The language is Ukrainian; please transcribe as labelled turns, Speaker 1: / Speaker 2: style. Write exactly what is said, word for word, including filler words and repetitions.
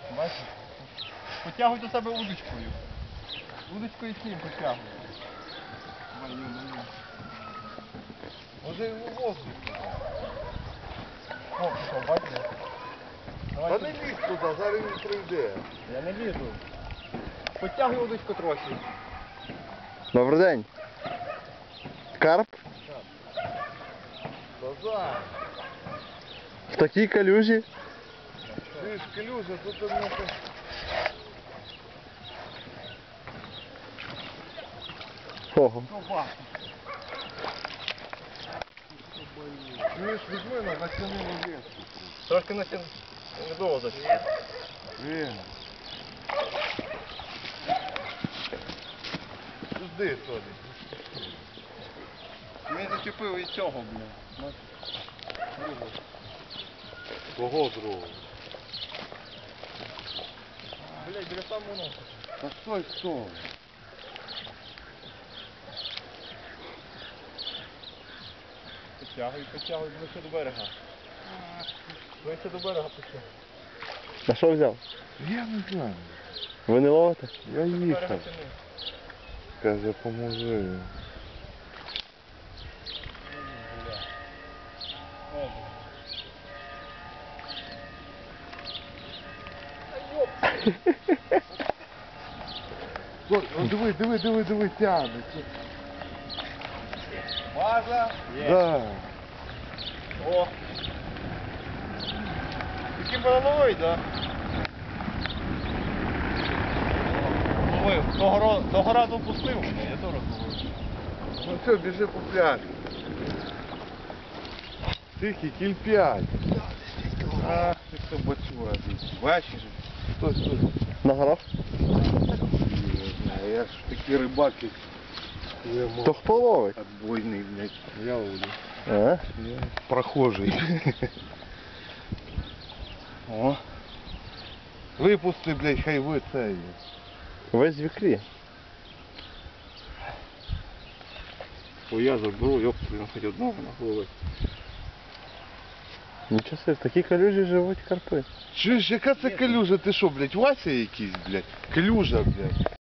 Speaker 1: Бачиш? Потягуй до себе удочкою. Удочкою з ним потягуй. Маю, маю.
Speaker 2: Може його воздух.
Speaker 1: О, пішов, бачиш?
Speaker 2: Та не лізь туди, зараз він прийде.
Speaker 1: Я не лізу. Потягуй удочку трохи.
Speaker 3: Добрий день. Карп?
Speaker 2: Назад.
Speaker 3: В такій калюжі?
Speaker 2: Ти ж клюжа, тут у мене...
Speaker 3: Ого.
Speaker 1: Ковбас.
Speaker 2: Чуєш, візьми на натягнемо леску.
Speaker 1: Трошки на сім недовго зачем.
Speaker 2: Він. Жди, Тоні.
Speaker 1: Ми зачепили і цього, блядь.
Speaker 2: Кого другого?
Speaker 1: Блядь, біля самого носа.
Speaker 2: Та стой, стой.
Speaker 1: Потягуй, потягуй, ближче до берега. Ближче до берега потягуй.
Speaker 3: На що взяв?
Speaker 2: Я не знаю.
Speaker 3: Ви не ловите?
Speaker 2: Я
Speaker 1: Берега
Speaker 2: їхав.
Speaker 1: тяни.
Speaker 2: Каже, поможи. Ой, о, диви, диви, диви, диви, тягне.
Speaker 1: База. Є.
Speaker 2: Да.
Speaker 1: О. Такий банановий, да? Ловив. Того, ро- того разу пустив мене, я теж ловив.
Speaker 2: Ну все, біжи по пляжу. Тихий, кіль п'ять. Ах, ти хто бачура. Бачиш? Стой, стой.
Speaker 3: На горах?
Speaker 2: Не знаю, я ж такі рибаки. Я мов-
Speaker 3: То хто ловить?
Speaker 2: Отбойний, блядь. Я ловлю.
Speaker 3: А?
Speaker 2: Я прохожий.
Speaker 1: О.
Speaker 2: Випусти, блядь, хай ви це.
Speaker 3: Весь в ікрі.
Speaker 1: О, я заберу, йоп, він хоч одного нахловить.
Speaker 3: Нічого собі, в такій калюжі живуть карпи.
Speaker 2: Чуєш, яка це калюжа? Ти що, блядь, Вася якийсь, блядь? Калюжа, блядь.